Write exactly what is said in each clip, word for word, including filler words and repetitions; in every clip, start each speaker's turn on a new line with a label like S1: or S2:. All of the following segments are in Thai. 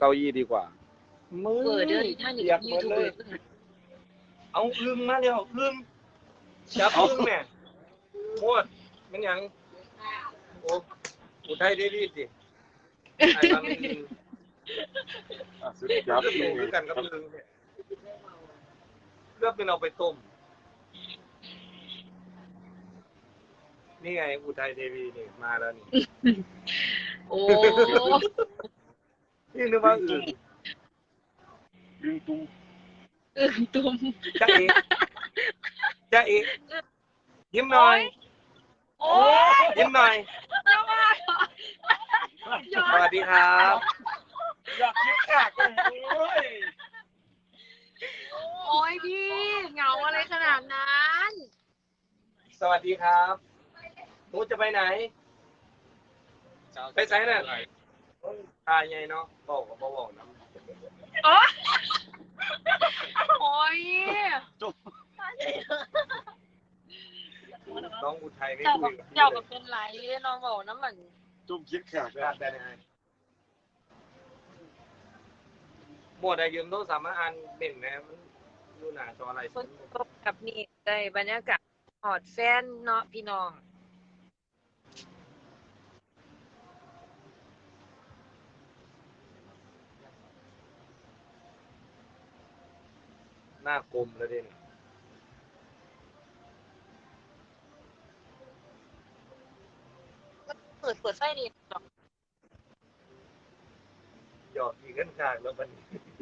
S1: เก้าอี้ดีกว่ามือ
S2: เบอร์เด้อท่าน
S1: เปียกหม
S2: ยู
S1: ด
S2: ทูบ
S1: เล
S2: เบอย ร์
S3: เอาอึ้งมาเดี๋ยวอึ้งจับอึ้งแม่โคตรมันหยังโอ้อุทัยได้ดีสิไอ้บางอึ้ง
S1: อ่ะสุด
S3: เลื
S1: ย
S3: อ
S1: อ
S3: ด
S1: ด
S3: หมูด้วยกันกับอึ้งเนี่ยเลือกเป็นเอาไปต้มนี่ไงอุทัยเทวีนี่มาแล้วนี่
S2: โอ้
S3: นี่นึกว่าอึ้ง
S1: ดึงตุ้ม
S2: อึ้งตุ้ม
S3: จ๊ะเอ๋จ๊ะเอ๋ยิ้มหน่อย
S2: โอ้ย
S3: ยิ้มหน่อยสวัสดีครับ
S1: อยากคิดขากเลยโอ้ย
S2: โอ้ยพี่เหงาอะไรขนาดนั้น
S3: สวัสดีครับหนูจะไปไหน ไปไสน่ะทายไงเนาะบอกกับบอกนะ
S2: โอ้ยโอ้ย
S1: จุ๊บ
S3: น้องอุทัยไม่
S2: เจ้า
S3: คุ
S2: กั
S3: ย
S2: บ
S3: กับพี่
S2: เจ้า
S3: เล
S2: กับ
S3: ย
S2: เป็นไรน้องบอกน้ำมัน
S1: จุ๊บคิดขากเลย
S3: ได้ได้ได้หมดอะยืมโทรศัพท์มาอ่านเด่นนะมันดูหนาจออะไร
S2: ฝนตกกับนี่ได้บรรยากาศหอดแฟนเนาะพี่น้อง
S3: หน้ากลมแล้วเด่น
S2: เปิดเปิดไฟนี่ดอก
S3: หยอกอีกขึ้นขากแล้วมัน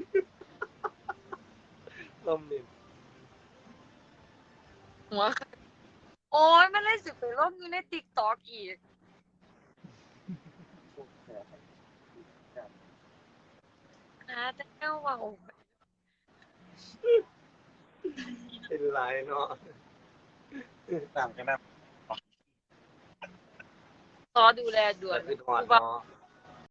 S3: ลมนี่
S2: หัวโอ้ยมันเลยสิไปลบอยู่ในติ๊กต็อกอีกหาแต่เจ้าเว่า
S3: เป็นไรเนาะ
S1: ต่างกันนะ
S2: ต่อดูแลด่วน
S3: คือถอน
S2: ว่า
S3: เนาะ